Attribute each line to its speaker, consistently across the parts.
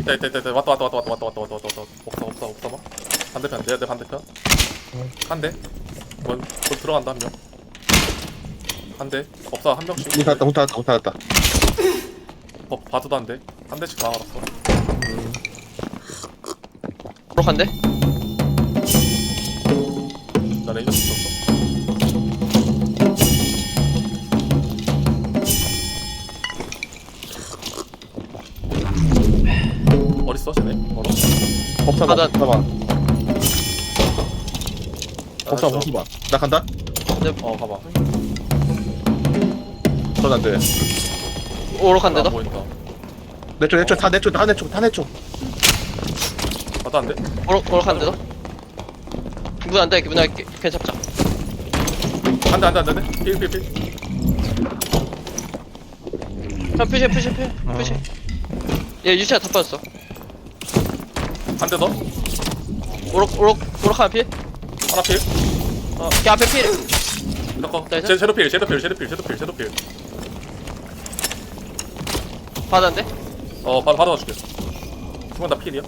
Speaker 1: 있다. 왔다. 없어 봐. 반대편, 내 반대편. 한 대. 뭐 들어간다 한 명. 한 대. 없어 한 명씩.
Speaker 2: 못 닫았다.
Speaker 1: 봐도 안 돼. 한 대씩 다 알았어.
Speaker 3: 브록한데?
Speaker 1: 나 레이저 썼어. 어딨어 쟤네? 멀어?
Speaker 2: 법사봐.
Speaker 3: 나-
Speaker 2: 법사봐. 나 간다.
Speaker 1: 가봐.
Speaker 2: 전 안 돼.
Speaker 3: 오록한데
Speaker 1: 안
Speaker 3: 너?
Speaker 1: 보인다.
Speaker 2: 내 쪽 다 내 쪽.
Speaker 1: 봐도 안 돼?
Speaker 3: 오록한데 너? 문 안돼 문 안돼 괜찮자.
Speaker 1: 안 돼. 필.
Speaker 3: 형 푸시 얘 유치아 다 빠졌어.
Speaker 1: 한 대 더?
Speaker 3: 오록 하나 필?
Speaker 1: 하나 필?
Speaker 3: 걔 앞에 필.
Speaker 1: 이거
Speaker 3: 나이스.
Speaker 1: 섀도필.
Speaker 3: 받았는데?
Speaker 1: 받아줄게. 두명 다 필이야?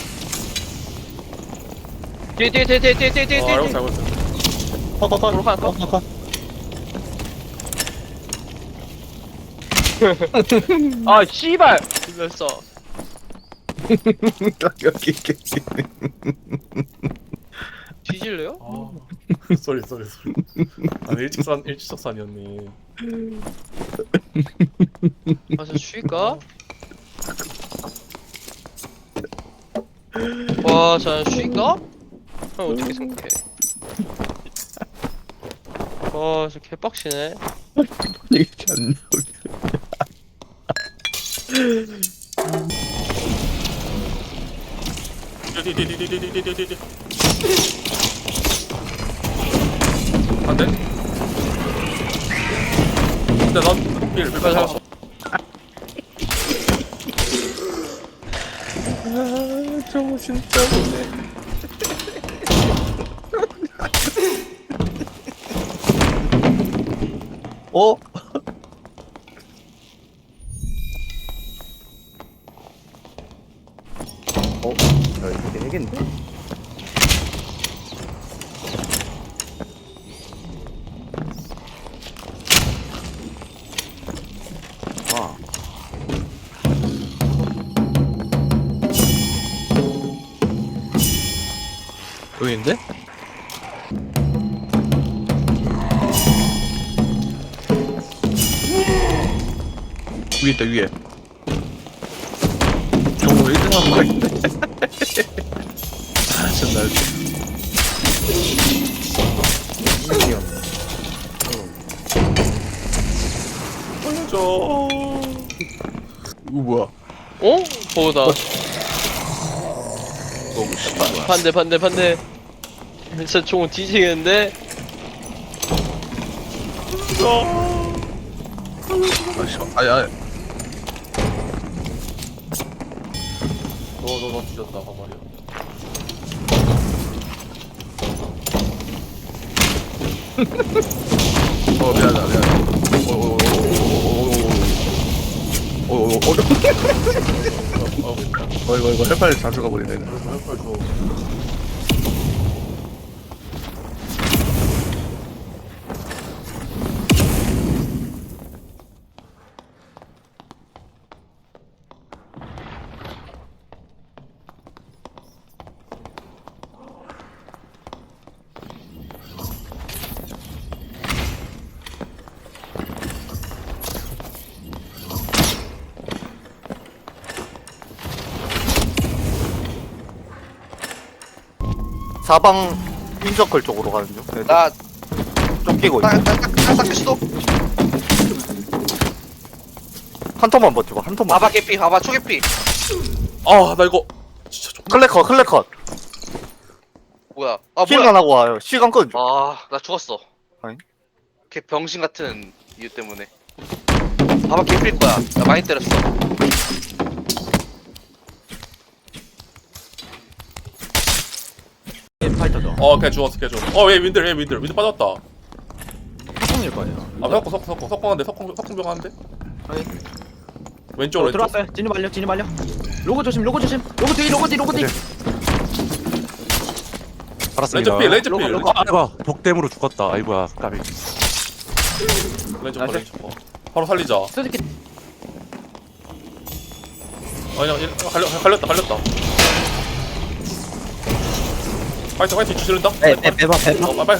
Speaker 3: 뒤에
Speaker 1: 알고 있어.
Speaker 3: 오록 하나 컷. 아 씨발 눌렀어.
Speaker 2: 여기.
Speaker 3: 뒤질래요?
Speaker 1: 쏘리. 아니 일직선이었네.
Speaker 3: 가서 쉬까? 와, 자 쉬까? 형 어떻게 생각해? 와, 저 개빡치네.
Speaker 2: 이게 안
Speaker 1: 뒤. 안 돼? 근데 넌 필.
Speaker 3: 맞아.
Speaker 2: 저거 진짜 못해. 어? 야, 이거 되겠는데? 아.
Speaker 3: 여기인데?
Speaker 2: 위에 있다, 위에. 정우 1등 한거 있네. 아, 진짜
Speaker 1: 보여줘.
Speaker 2: 이거 뭐야?
Speaker 3: 어? 보다.
Speaker 2: 너무 씨발.
Speaker 3: 반대. 진짜 총 뒤지겠는데?
Speaker 2: 아니.
Speaker 1: 너 뒤졌다 가말이야.
Speaker 2: 미안하다. 이거 헬파일 자주 가버리네.
Speaker 1: 헬퍼 줘.
Speaker 4: 사방 인서클 쪽으로 가는 중. 애들
Speaker 3: 나,
Speaker 4: 쫓기고 있어.
Speaker 3: 딱 시도.
Speaker 4: 한 턴만 버텨봐. 한 턴만.
Speaker 3: 봐봐 개피, 봐봐 초개피.
Speaker 1: 나 이거 진짜 좀.
Speaker 4: 클레컷.
Speaker 3: 뭐야?
Speaker 4: 힐만 하고 와요. 시간 끄.
Speaker 3: 나 죽었어.
Speaker 4: 아니?
Speaker 3: 걔 병신 같은 이유 때문에. 봐봐 개필 거야. 나 많이 때렸어.
Speaker 4: 파이터죠.
Speaker 1: 걔 죽었어. 왜 윈들 빠졌다.
Speaker 4: 석공일 거 아니야.
Speaker 1: 석공한데 석공병 하는데?
Speaker 4: 아니.
Speaker 1: 왼쪽으로 왼쪽.
Speaker 4: 들어왔어요. 진입 완료.
Speaker 5: 로고 조심 로고 조심 로고 뒤 로고 뒤 로고 뒤
Speaker 6: 알았습니다.
Speaker 1: 레이저 필.
Speaker 5: 로고,
Speaker 6: 아이고 독댐으로 죽었다. 아이고야 까비.
Speaker 1: 레이저 퍼. 바로 살리자.
Speaker 5: 솔직히
Speaker 1: 아니야, 갈렸다. 파이트 주시른다.
Speaker 4: 빼봐.
Speaker 1: 빨리.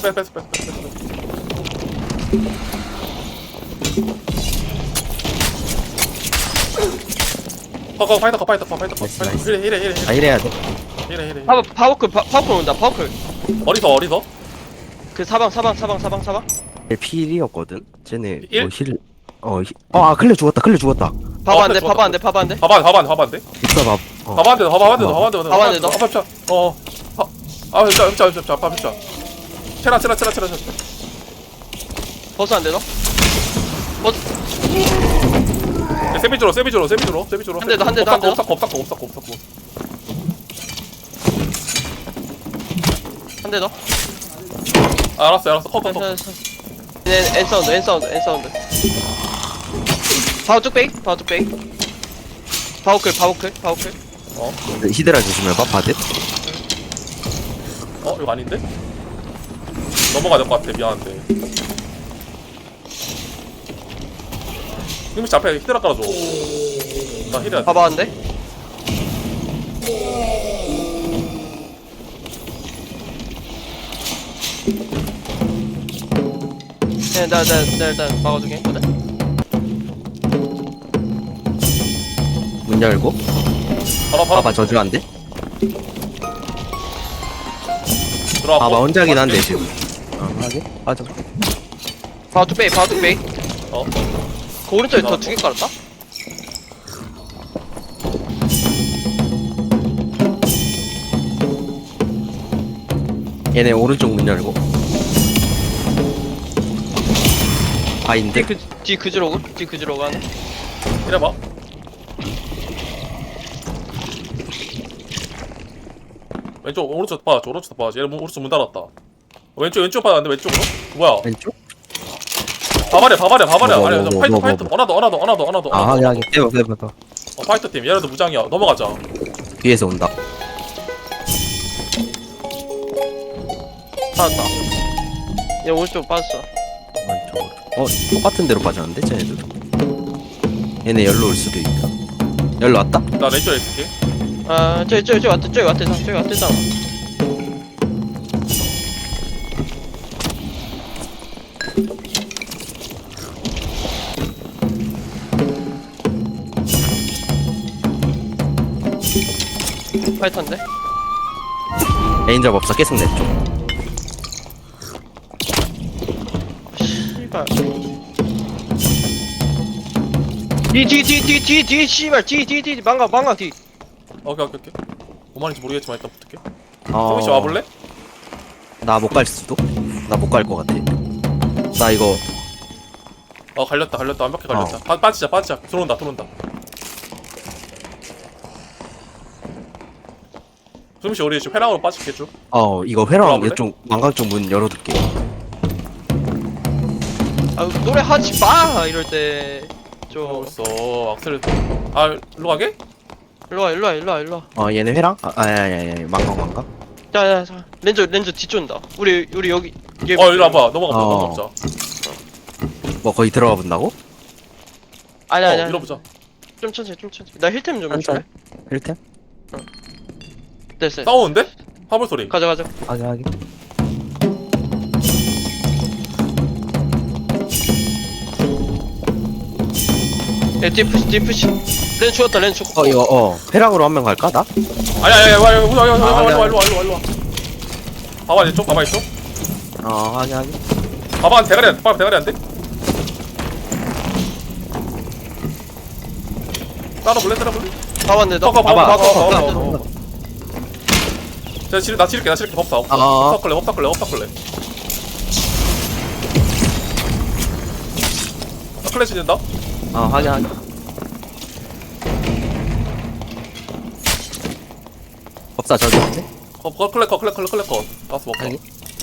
Speaker 1: 파이터.
Speaker 4: 나이스.
Speaker 1: 이래.
Speaker 4: 아 이래야 돼.
Speaker 3: 파워클 온다. 파워클.
Speaker 1: 어디서?
Speaker 3: 그 사방.
Speaker 4: 필이었거든. 쟤네
Speaker 1: 일?
Speaker 4: 뭐 힐. 아 클레 죽었다.
Speaker 3: 봐봐 안 돼.
Speaker 1: 좋았다.
Speaker 3: 봐봐 안 돼. 봐봐 안 돼.
Speaker 1: 봐봐 안 돼.
Speaker 4: 있어 봐.
Speaker 1: 봐봐 안 돼.
Speaker 3: 너.
Speaker 1: 흡자. 체라.
Speaker 3: 버스 안 돼, 너?
Speaker 1: 세비주로.
Speaker 3: 한 대 더.
Speaker 1: 없사코.
Speaker 3: 한 대 더.
Speaker 1: 알았어. 컷.
Speaker 3: 엔 사운드. 파워 쭉 빼. 파워클.
Speaker 4: 히드라 조심해봐. 바드.
Speaker 1: 이거 아닌데? 넘어가야 될 것 같아. 미안한데. 힘이 앞에 히드라 깔아줘. 나 히드라.
Speaker 3: 봐봐 안 돼. 나 일단 막아주게 했거든.
Speaker 4: 문 열고.
Speaker 1: 바로
Speaker 4: 봐봐 저주 안 돼.
Speaker 1: 들어와.
Speaker 4: 봐봐 혼자긴 한데 지금. 하게. 맞아.
Speaker 3: 파워 쭉 빼.
Speaker 1: 어.
Speaker 3: 그 오른쪽에 더 두 개 깔았다.
Speaker 4: 얘네 오른쪽 문 열고. 아인데.
Speaker 3: 뒤 그지로 가네.
Speaker 1: 이래봐. 오른쪽 봐. 얘 오른쪽 문 닫았다. 왼쪽 봐야는데 왼쪽으로? 뭐야?
Speaker 4: 왼쪽?
Speaker 1: 바바리야.
Speaker 4: 뭐,
Speaker 1: 아니,
Speaker 4: 뭐,
Speaker 1: 파이터. 어나더.
Speaker 4: 아 하게. 빼봐.
Speaker 1: 파이터 팀. 얘네도 무장이야. 넘어가자.
Speaker 4: 뒤에서 온다.
Speaker 3: 찾았다. 얘 오른쪽 빠졌어.
Speaker 4: 똑같은 데로 빠졌는데 쟤네들. 얘네 열로 올 수도 있다. 열로 왔다?
Speaker 1: 나 레이저에 있을게.
Speaker 3: 아, 저기 왔대잖아. 파이터인데?
Speaker 4: 레인저 법사 계속 내 쪽.
Speaker 3: 씨발. 뒤 씨발 뒤 망가 뒤.
Speaker 1: 오케이. 뭐만인지 모르겠지만 일단 붙을게.
Speaker 4: 어.
Speaker 1: 소민씨 와볼래?
Speaker 4: 나 못 갈 수도? 나 못 갈 것 같아. 나 이거
Speaker 1: 갈렸다. 완벽히 갈렸다. 빠지자. 들어온다. 소민씨 우리 지금 회랑으로 빠질게 쭉.
Speaker 4: 이거 회랑
Speaker 1: 들어와볼래?
Speaker 4: 이쪽 망강 쪽 문 열어둘게.
Speaker 3: 아 노래 하지 마 이럴 때. 좀
Speaker 1: 벌써 악셀을. 일로 가게?
Speaker 3: 일로 와.
Speaker 4: 얘네 회랑? 아야야야 망강.
Speaker 3: 자. 렌저 뒤쫓는다. 우리 여기.
Speaker 1: 일로 와봐. 넘어가자.
Speaker 4: 뭐 거기 들어가 본다고?
Speaker 3: 아니야.
Speaker 1: 밀어보자.
Speaker 3: 좀 천천히. 나 힐템 좀 해줄래?
Speaker 4: 힐템?
Speaker 3: 됐어.
Speaker 1: 싸우는데? 화물 소리.
Speaker 3: 가자.
Speaker 4: 하게.
Speaker 3: 뒤 푸시. 렌 죽었다.
Speaker 4: 이거 회랑으로 한 명 갈까 나?
Speaker 1: 아니야. 와. 일로 와. 봐봐 이쪽.
Speaker 4: 하게.
Speaker 1: 봐봐 대가리 안 돼? 따라볼래?
Speaker 3: 봐봤는데 너.
Speaker 1: 봐봐. 나 치를게 법사. 법사 클래. 클래시 된다?
Speaker 4: 하게. 법사 저기 있네?
Speaker 1: 클래커. 나스 먹자.
Speaker 4: 아니.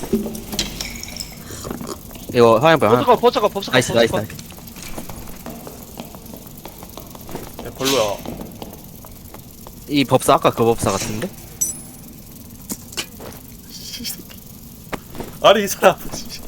Speaker 4: 이거 화염병
Speaker 3: 버쳐가.
Speaker 4: 나이스.
Speaker 1: 별로야.
Speaker 4: 이 법사 아까 그 법사 같은데?
Speaker 1: 아니 이 사람.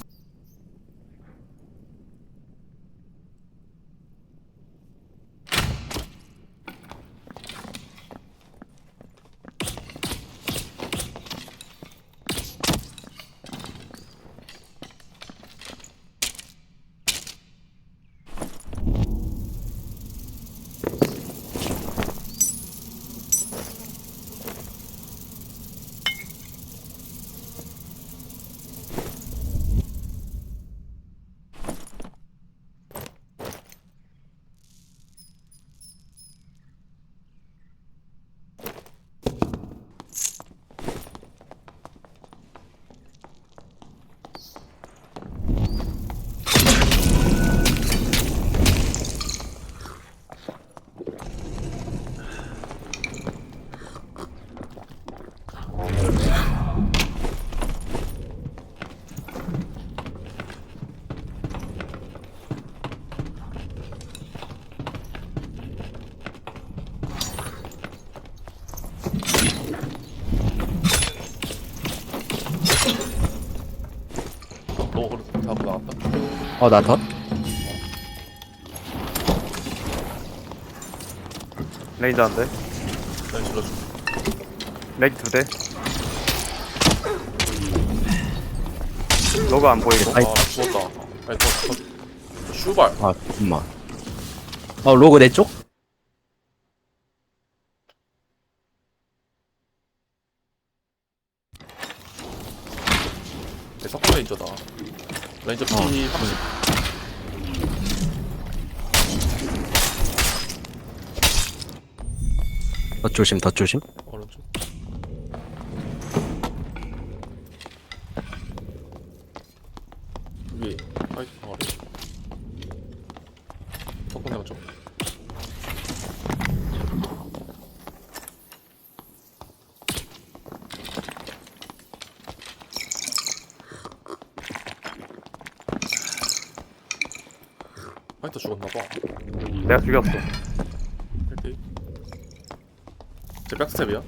Speaker 1: 너 그래서 잡고 나갔다.
Speaker 4: 나 덧?
Speaker 6: 레인저 한 대.
Speaker 1: 난 질러줄게.
Speaker 6: 렉 2대. 로그 안 보이고.
Speaker 4: 아이.
Speaker 1: 아 죽었다. 아니 더 슈발.
Speaker 4: 아 잠깐만. 로그 내 쪽?
Speaker 1: 내 석고 레인저다. 레인저 P 30.
Speaker 4: 더 조심 더 조심.
Speaker 1: 오른쪽. 위에 화이트 아래. 석고 내가 좀. 화이트 죽었나봐.
Speaker 6: 내가 죽였어.
Speaker 1: 1대1. 제 백스텝이야?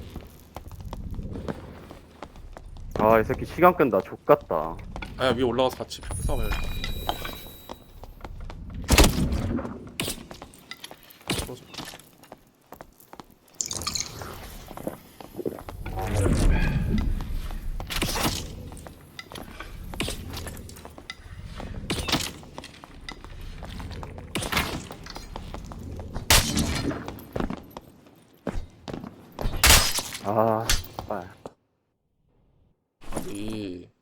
Speaker 6: 아, 이 새끼 시간 끈다. 족같다.
Speaker 1: 아야 위에 올라가서 같이 싸워야겠다. 떨어져.
Speaker 6: 아, 아.
Speaker 1: 이